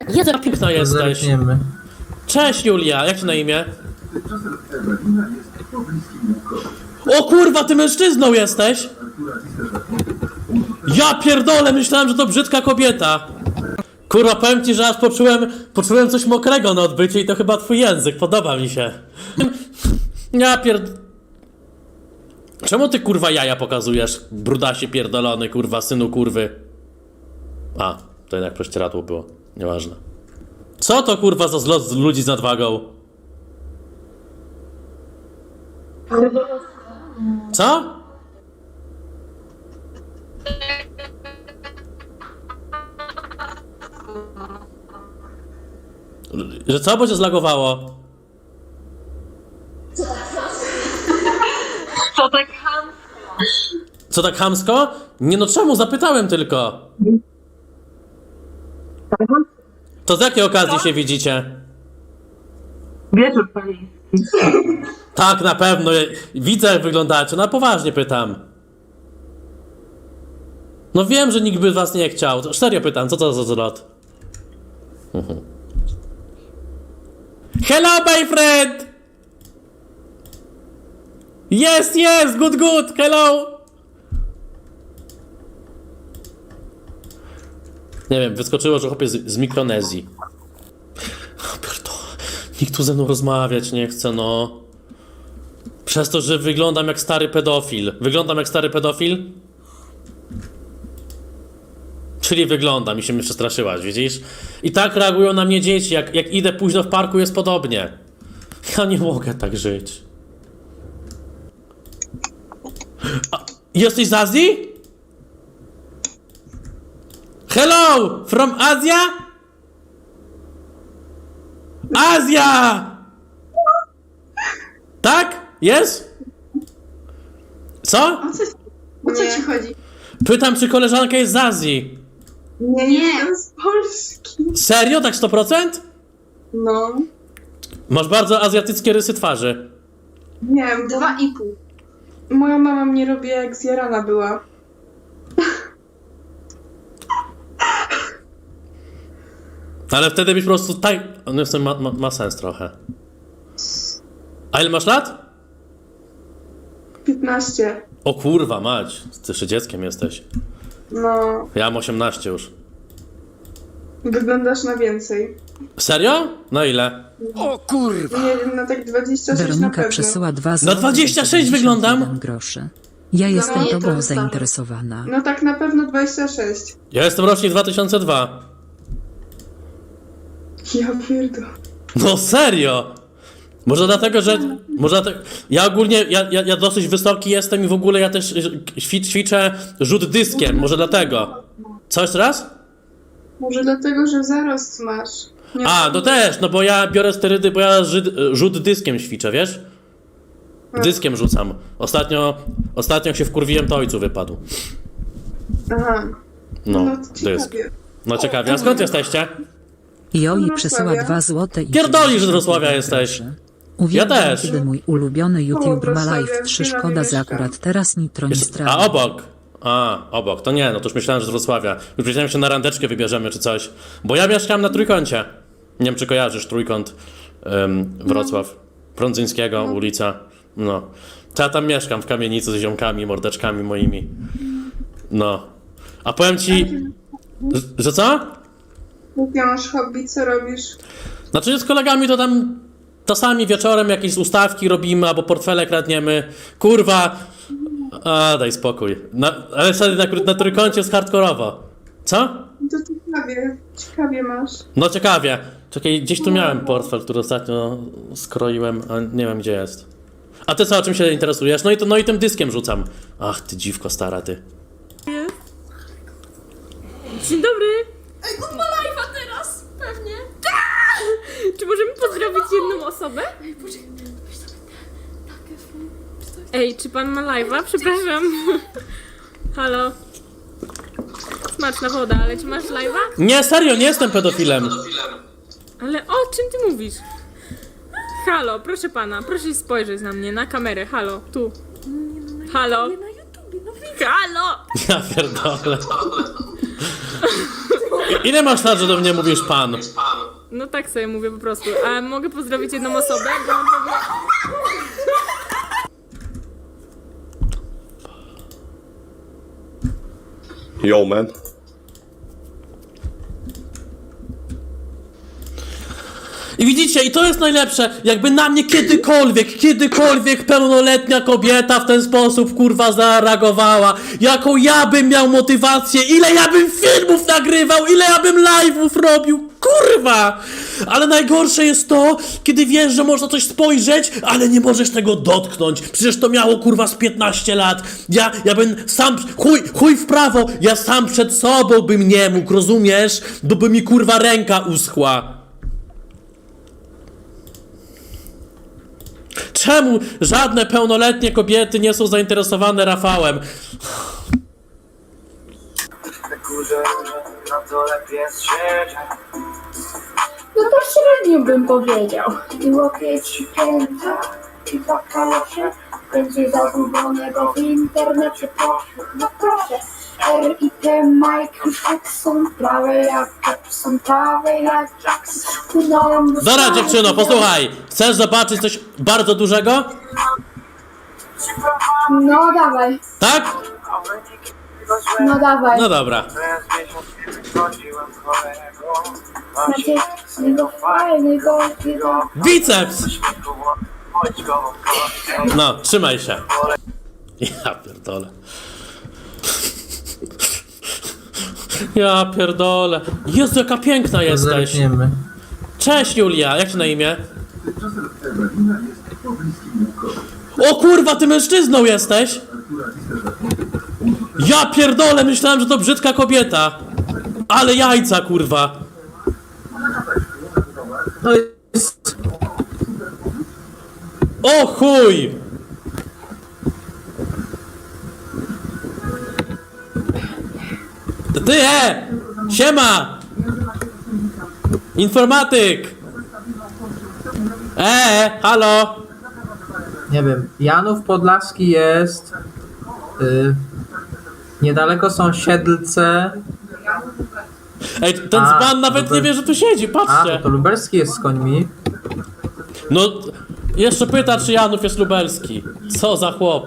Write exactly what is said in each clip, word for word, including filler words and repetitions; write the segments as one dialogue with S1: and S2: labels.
S1: Jedna piękna jesteś.
S2: Zerkniemy.
S1: Cześć Julia, jak ci na imię? O kurwa, ty mężczyzną jesteś? Ja pierdolę, myślałem, że to brzydka kobieta. Kurwa, powiem ci, że aż poczułem, poczułem coś mokrego na odbycie i to chyba twój język, podoba mi się. Ja pierd... Czemu ty kurwa jaja pokazujesz, brudasie pierdolony, kurwa, synu kurwy? A, to jednak prześcieradło było, nieważne. Co to kurwa za zlot z ludzi z nadwagą? Co? Że co, bo cię zlagowało?
S3: Co tak chamsko?
S1: Co tak chamsko? Nie no czemu? Zapytałem tylko. To z jakiej okazji się widzicie?
S3: Wieczór panieński.
S1: Tak, na pewno. Widzę, jak wyglądacie. Na poważnie pytam. No wiem, że nikt by was nie chciał. To serio pytam, co to za zlot? Hello, my friend! Yes, yes, good, good, hello! Nie wiem, wyskoczyło, że chłopiec z, z Mikronezji. Nikt tu ze mną rozmawiać nie chce, no. Przez to, że wyglądam jak stary pedofil. Wyglądam jak stary pedofil? Czyli wyglądam i się mnie przestraszyłaś, widzisz? I tak reagują na mnie dzieci, jak, jak idę późno w parku, jest podobnie. Ja nie mogę tak żyć. A, jesteś z Azji? Hello! From Asia? Azja! Tak? Jest? Co?
S4: O co, o co ci chodzi?
S1: Pytam, czy koleżanka jest z Azji.
S4: Nie, nie, jestem z Polski.
S1: Serio? Tak sto procent?
S4: No.
S1: Masz bardzo azjatyckie rysy twarzy.
S4: Nie wiem, dwa i pół. Moja mama mnie robi jak zjarana była.
S1: Ale wtedy byś po prostu tak... No w sumie ma, ma, ma sens trochę. A ile masz lat?
S4: piętnaście.
S1: O kurwa mać, ty jeszcze dzieckiem jesteś.
S4: No.
S1: Ja mam osiemnaście już.
S4: Wyglądasz na więcej.
S1: Serio? No ile?
S5: O kurwa!
S4: Nie wiem, na tak dwadzieścia sześć na
S6: Weronika
S4: pewno.
S6: przesyła dwa
S1: Na
S6: złote
S1: dwadzieścia sześć
S6: dziewięćdziesiąt jeden
S1: wyglądam?
S6: groszy. Ja jestem
S4: nie, to
S6: tobą
S4: wystarczy.
S6: zainteresowana.
S4: No tak na pewno dwadzieścia sześć.
S1: Ja jestem rocznik dwa tysiące drugi.
S4: Ja pierdolę.
S1: No serio? Może dlatego, że... Może dlatego... Ja ogólnie, ja, ja, ja dosyć wysoki jestem i w ogóle ja też ćwi- ćwiczę rzut dyskiem. Może dlatego. Co jeszcze raz?
S4: Może dlatego, że zarost masz. Nie
S1: A, no też, no bo ja biorę sterydy, bo ja rzut, rzut dyskiem ćwiczę, wiesz? Dyskiem rzucam. Ostatnio, ostatnio jak się wkurwiłem, to ojcu wypadł.
S4: Aha.
S1: No,
S4: No to
S1: dysk.
S4: ciekawie.
S1: No ciekawie, a skąd jesteście?
S6: Joi
S4: Wrocławia.
S6: przesyła dwa złote i
S1: Pierdolisz, że z
S6: dziewięćdziesiąt
S1: Wrocławia
S6: jeden
S1: jesteś.
S6: groszy. Uwielbiam,
S1: Ja też.
S6: kiedy mój ulubiony YouTuber ma
S4: Wrocławia,
S6: live
S4: w
S6: trzy.
S4: Kielanowie
S6: Szkoda, że
S4: mieszkam.
S6: akurat teraz nitro nie
S1: Jest,
S6: strawi.
S1: a obok. A, obok. To nie, no to już myślałem, że z Wrocławia. Już myślałem, że się na randeczkę wybierzemy czy coś. Bo ja mieszkam na Trójkącie. Nie wiem, czy kojarzysz Trójkąt ym, Wrocław. Prądzyńskiego, ulica. No. To ja tam mieszkam w kamienicy z ziomkami, mordeczkami moimi. No. A powiem ci... że- Że co?
S4: Jakie masz hobby, co robisz?
S1: Znaczy z kolegami to tam czasami wieczorem jakieś ustawki robimy, albo portfele kradniemy. Kurwa! A, daj spokój. Na, ale wtedy na, na Trójkącie jest hardkorowo. Co?
S4: No to ciekawie. Ciekawie masz.
S1: No ciekawie. Czekaj, gdzieś tu miałem portfel, który ostatnio skroiłem, a nie wiem gdzie jest. A ty co, o czym się interesujesz? No i, to, no i tym dyskiem rzucam. Ach, ty dziwko stara, ty.
S7: Dzień dobry! Ej, on ma live'a teraz! Pewnie! Czy możemy pozdrowić jedną osobę? Ej, poczekaj, weź sobie Ej, czy pan ma live'a? Przepraszam. Halo? Smaczna woda, ale czy masz live'a?
S1: Nie, serio, nie jestem pedofilem.
S7: Ale o czym ty mówisz? Halo, proszę pana, proszę spojrzeć na mnie, na kamerę, halo, tu. Halo? Halo!
S1: Ja pierdolę. I- Ile masz lat, że do mnie mówisz pan?
S7: No tak sobie mówię po prostu. A mogę pozdrowić jedną osobę? Bo na pewno...
S2: Yo, man.
S1: I widzicie, i to jest najlepsze, jakby na mnie kiedykolwiek, kiedykolwiek pełnoletnia kobieta w ten sposób, kurwa, zareagowała, jaką ja bym miał motywację, ile ja bym filmów nagrywał, ile ja bym live'ów robił, kurwa! Ale najgorsze jest to, kiedy wiesz, że można coś spojrzeć, ale nie możesz tego dotknąć, przecież to miało, kurwa, z piętnaście lat, ja, ja bym sam, chuj, chuj w prawo, ja sam przed sobą bym nie mógł, rozumiesz? Bo by mi, kurwa, ręka uschła. Czemu żadne pełnoletnie kobiety nie są zainteresowane Rafałem?
S5: Na górze, na dole pies siedzie.
S8: No to średnio bym powiedział. I łokieć i pięta, i dwa kalosze. Będzie zagubionego w internecie proszę. No proszę. R i T Mike już tak są prawe jak Jackson, prawe jak Jackson. Płynąłem do
S1: Dobra,
S8: Stanów,
S1: dziewczyno, posłuchaj. Chcesz zobaczyć coś bardzo dużego?
S8: No dawaj,
S1: Tak?
S8: no dawaj.
S1: No dobra.
S5: Przez miesiąc nie wychodziłem chorego.
S8: Macie jego fajnego chwilę.
S1: Biceps!
S5: Chodź go, go.
S1: No, trzymaj się. Ja pierdolę. Ja pierdolę. Jezu, jaka piękna jesteś. Cześć, Julia. Jak ci na imię? O kurwa, ty mężczyzną jesteś? Ja pierdolę, myślałem, że to brzydka kobieta. Ale jajca, kurwa. O chuj! To ty, e! Siema! Informatyk! E, halo!
S9: Nie wiem, Janów Podlaski jest. Y, niedaleko są Siedlce.
S1: Ej, ten
S9: A,
S1: dzban nawet
S9: Lubel-
S1: nie wie, że tu siedzi,
S9: A,
S1: patrzcie!
S9: to, to Lubelski jest z końmi.
S1: No, jeszcze pyta, czy Janów jest lubelski. Co za chłop.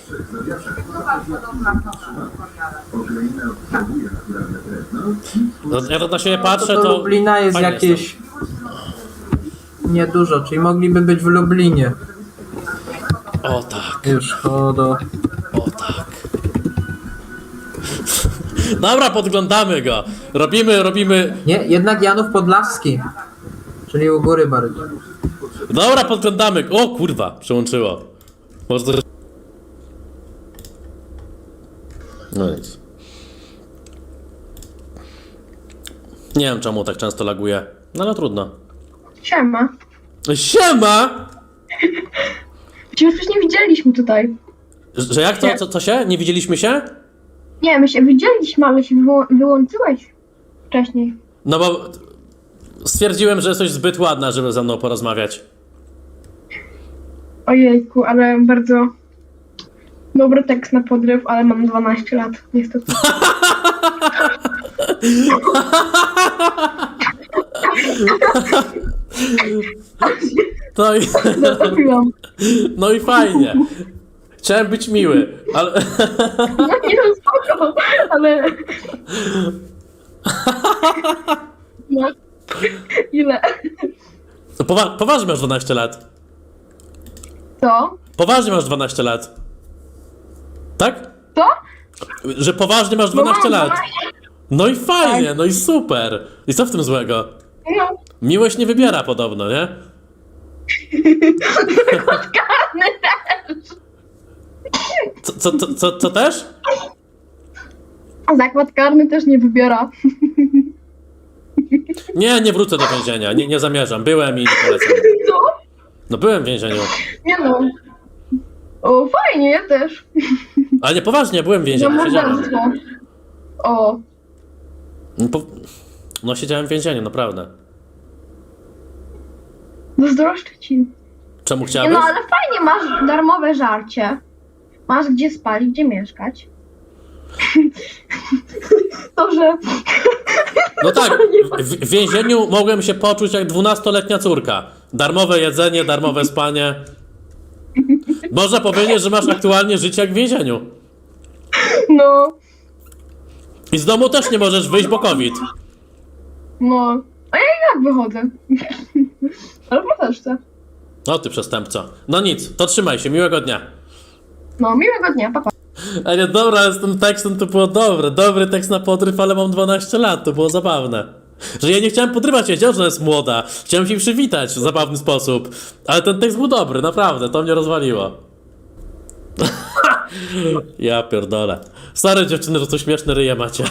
S1: No, ja to na siebie patrzę,
S9: To,
S1: to...
S9: to Lublina jest
S1: fajnie
S9: jakieś. Niedużo, czyli mogliby być w Lublinie.
S1: O tak,
S9: Już chodo.
S1: o tak. Dobra, podglądamy go. Robimy, robimy...
S9: Nie, jednak Janów Podlaski. Czyli u góry bardziej.
S1: Dobra, podglądamy. O kurwa, przełączyło. Może to... No nic. Nie wiem, czemu tak często laguje. No ale trudno.
S4: Siema.
S1: Siema!
S4: Przecież już nie widzieliśmy tutaj.
S1: Że jak to? Co, co się? Nie widzieliśmy się?
S4: Nie, my się widzieliśmy, ale się wyło- wyłączyłeś wcześniej.
S1: No bo stwierdziłem, że jesteś zbyt ładna, żeby ze mną porozmawiać.
S4: Ojejku, ale bardzo dobry tekst na podryw, ale mam dwanaście lat, niestety.
S1: No i,
S4: Zatrafiłam.
S1: no i fajnie. Chciałem być miły, ale...
S4: No nie, no spoko, ale... No. Ile?
S1: No powa- poważnie masz dwanaście lat.
S4: Co?
S1: Poważnie masz dwanaście lat. Tak?
S4: Co?
S1: Że poważnie masz
S4: No
S1: dwanaście
S4: mam
S1: lat.
S4: dwanaście.
S1: No i fajnie, no i super. I co w tym złego?
S4: No.
S1: Miłość nie wybiera podobno, nie?
S4: Karny też.
S1: Co, co, co, co, co też?
S4: Zakład karny też nie wybiera.
S1: Nie, nie wrócę do więzienia, nie, nie zamierzam. Byłem i nie polecam.
S4: Co?
S1: No byłem w więzieniu.
S4: Nie no. O, fajnie, ja też.
S1: Ale nie, poważnie, byłem w
S4: Za
S1: więzieniu, siedziałem.
S4: morderstwo. O.
S1: No, po... no siedziałem w więzieniu, naprawdę.
S4: Zazdroszczę ci.
S1: Czemu
S4: Nie
S1: chciałbyś?
S4: no, ale fajnie, masz darmowe żarcie. Masz gdzie spać, gdzie mieszkać. To, że
S1: No tak, w, w więzieniu mogłem się poczuć jak dwunastoletnia córka. Darmowe jedzenie, darmowe spanie. Można powiedzieć, że masz aktualnie życie jak w więzieniu.
S4: no,
S1: I z domu też nie możesz wyjść, bo COVID.
S4: no. A ja i tak wychodzę. Ale po też chcę.
S1: No ty przestępco. No nic, to trzymaj się, miłego dnia.
S4: No, miłego dnia, pa, pa.
S1: A nie, dobra, ale z tym tekstem to było dobre. Dobry tekst na podryw, ale mam dwanaście lat, to było zabawne. Że ja nie chciałem podrywać, ja wiedziałem, że ona jest młoda. Chciałem się przywitać w zabawny sposób. Ale ten tekst był dobry, naprawdę, to mnie rozwaliło. Ja pierdolę. Sorry dziewczyny, że to śmieszne ryje macie.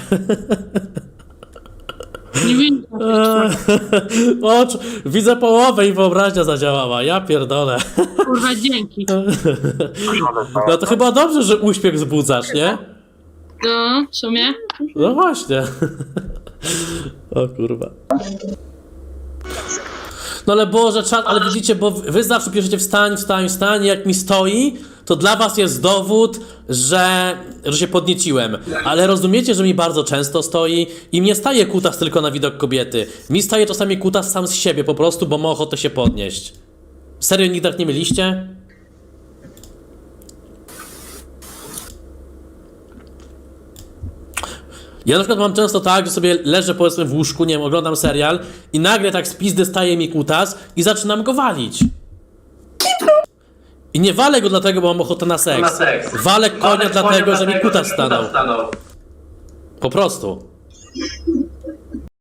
S2: Nie wiem.
S1: Ocz, widzę połowę i wyobraźnia zadziałała. Ja pierdolę.
S2: Kurwa, dzięki.
S1: No to chyba dobrze, że uśmiech wzbudzasz, nie?
S2: No, w sumie.
S1: No właśnie. O kurwa. No ale Boże, czad, ale widzicie, bo wy zawsze piszecie wstań, wstań, wstań, jak mi stoi, to dla was jest dowód, że, że się podnieciłem. Ale rozumiecie, że mi bardzo często stoi i mnie staje kutas tylko na widok kobiety. Mi staje czasami kutas sam z siebie po prostu, bo ma ochotę się podnieść. Serio nigdy tak nie mieliście? Ja na przykład mam często tak, że sobie leżę powiedzmy w łóżku, nie wiem, oglądam serial i nagle tak z pizdy staje mi kutas i zaczynam go walić. I nie walę go dlatego, bo mam ochotę na seks.
S5: Na seks.
S1: Walę konia
S5: Walę
S1: dlatego,
S5: konia
S1: że mi
S5: dlatego,
S1: kutas
S5: że
S1: stanął.
S5: stanął.
S1: Po prostu.